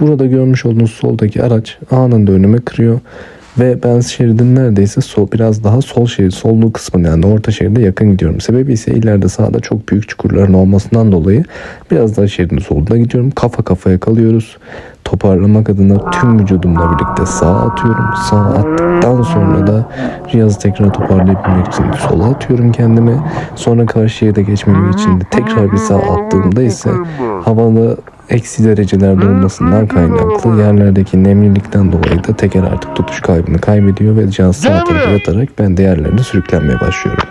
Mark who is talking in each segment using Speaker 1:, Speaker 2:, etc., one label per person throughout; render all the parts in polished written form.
Speaker 1: Burada görmüş olduğunuz soldaki araç anında önüme kırıyor. Ve ben şeridin neredeyse biraz daha sol şerit, sollu kısmına yani orta şeride yakın gidiyorum. Sebebi ise ileride sağda çok büyük çukurların olmasından dolayı biraz daha şeridin soluna gidiyorum. Kafa kafaya kalıyoruz. Toparlamak adına tüm vücudumla birlikte sağa atıyorum. Sağa attıktan sonra da cihazı tekrar toparlayabilmek için sola atıyorum kendimi. Sonra karşı şeride geçmemek için de tekrar bir sağa attığımda ise havalı eksi derecelerde olmasından kaynaklı yerlerdeki nemlilikten dolayı da teker artık tutuş kaybını kaybediyor ve cihaz sağa tarafa yatarak ben de yerlerde sürüklenmeye başlıyorum.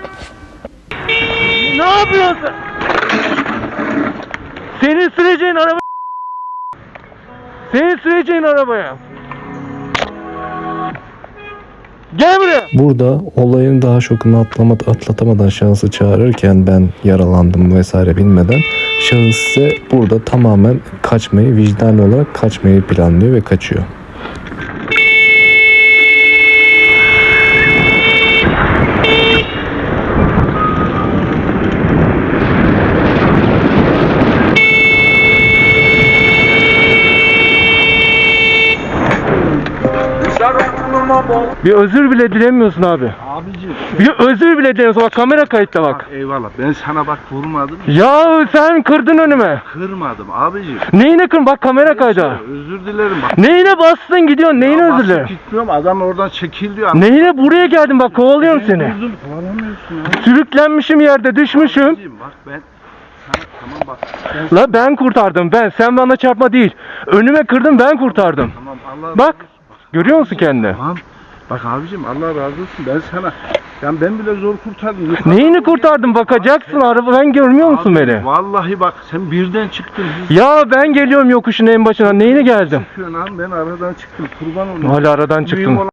Speaker 2: Ne yapıyorsun? Senin süreceğin araba. Senin süreceğin arabaya. Gel buraya.
Speaker 1: Burada olayın daha şokunu atlatamadan şahsı çağırırken ben yaralandım vesaire bilmeden şahıs ise burada tamamen kaçmayı, vicdanlı olarak kaçmayı planlıyor ve kaçıyor.
Speaker 2: Bir özür bile dilemiyorsun abi.
Speaker 3: Abicim.
Speaker 2: Bir özür bile dilemiyorsun. Bak kamera kayıtta bak.
Speaker 3: Eyvallah. Ben sana bak vurmadım.
Speaker 2: Ya sen kırdın önüme.
Speaker 3: Kırmadım abicim.
Speaker 2: Neyine kırdın? Bak kamera kayda.
Speaker 3: Özür dilerim bak.
Speaker 2: Neyine bastın gidiyorsun? Neyine özür dilerim?
Speaker 3: Gitmiyorum. Adam oradan çekil diyor.
Speaker 2: Neyine buraya geldim bak kovalıyorum seni.
Speaker 3: Durdum. Kovalamıyorsun ya.
Speaker 2: Sürüklenmişim yerde düşmüşüm.
Speaker 3: Abicim bak ben sana tamam bak.
Speaker 2: La ben kurtardım ben. Sen bana çarpma değil. Önüme kırdın ben kurtardım.
Speaker 3: Tamam Allah
Speaker 2: Bak. Görüyor musun kendini?
Speaker 3: Tamam. Bak abicim Allah razı olsun. Ben sana ben bile zor kurtardım.
Speaker 2: Neyini kurtardım? Bakacaksın arabadan görmüyor musun
Speaker 3: Abi,
Speaker 2: beni?
Speaker 3: Vallahi bak sen birden çıktın.
Speaker 2: Ya ben geliyorum yokuşun en başına. Neyine geldim?
Speaker 3: Çıkıyorsun abi ben aradan çıktım. Kurban olayım.
Speaker 2: Hala aradan çıktım.